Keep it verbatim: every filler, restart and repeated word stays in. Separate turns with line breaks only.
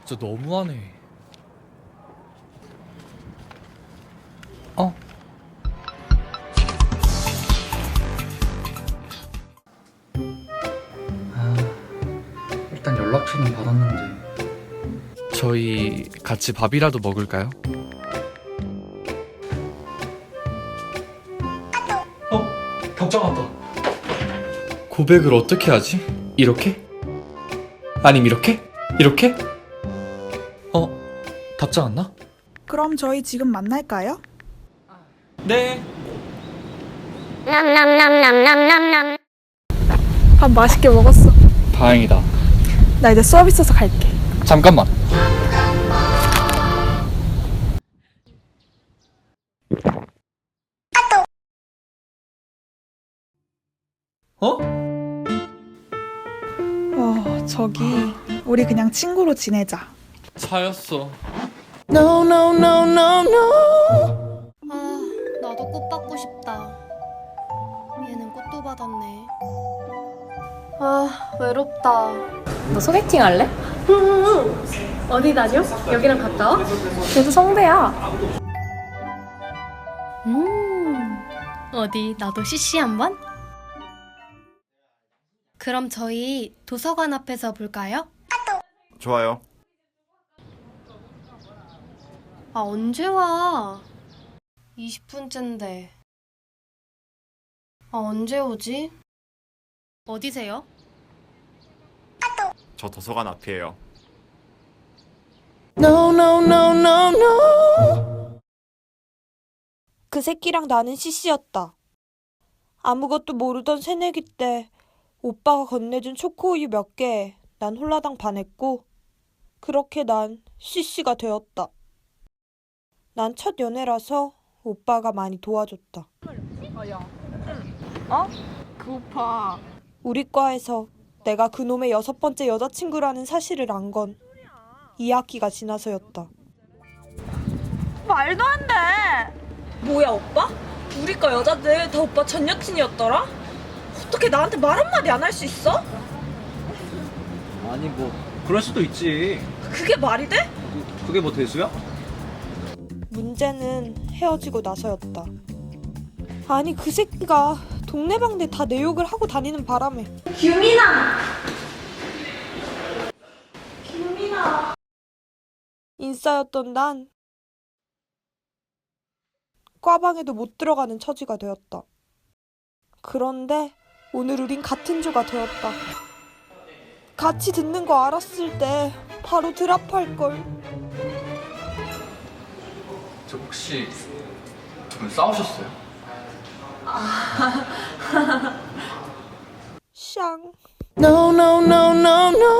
진짜 너무하네. 어? 아, 일단 연락처는 받았는데 저희 같이 밥이라도 먹을까요? 어? 답장 왔다. 고백을 어떻게 하지? 이렇게? 아님 이렇게? 이렇게? 어? 답장 왔나?
그럼 저희 지금 만날까요?
네.
밥 맛있게 먹었어.
다행이다.
나 이제 수업 있어서 갈게.
잠깐만. 어?
어, 저기 우리 그냥 친구로 지내자.
차였어.
No, no, no, no, no.
아, 나도 꽃 받고 싶다. 얘는 꽃도 받았네. 아, 외롭다.
너 소개팅 할래?
어디 다녀? 여기랑 가까워?
그래도 성대야.
음, 어디 나도 씨씨 한번? 그럼 저희 도서관 앞에서 볼까요?
좋아요.
아, 언제 와? 이십 분째인데. 아, 언제 오지? 어디세요?
저 도서관 앞이에요.
No, no, no, no, no.
그 새끼랑 나는 씨씨였다. 아무것도 모르던 새내기 때 오빠가 건네준 초코우유 몇 개에 난 홀라당 반했고 그렇게 난 씨씨가 되었다. 난 첫 연애라서 오빠가 많이 도와줬다.
어? 그 오빠.
우리 과에서 내가 그놈의 여섯 번째 여자친구라는 사실을 안 건 이 학기가 지나서였다.
말도 안 돼. 뭐야 오빠? 우리과 여자들 다 오빠 전 여친이었더라? 어떻게 나한테 말 한마디 안 할 수 있어?
아니 뭐 그럴 수도 있지.
그게 말이 돼?
그, 그게 뭐 대수야?
문제는 헤어지고 나서였다. 아니 그 새끼가 동네방네 다 내 욕을 하고 다니는 바람에
규민아!
인싸였던 난 과방에도 못 들어가는 처지가 되었다. 그런데 오늘 우린 같은 조가 되었다. 같이 듣는 거 알았을 때 바로 드랍할걸.
저 혹시 두 분 싸우셨어요?
샹.
No, no, no, no, no.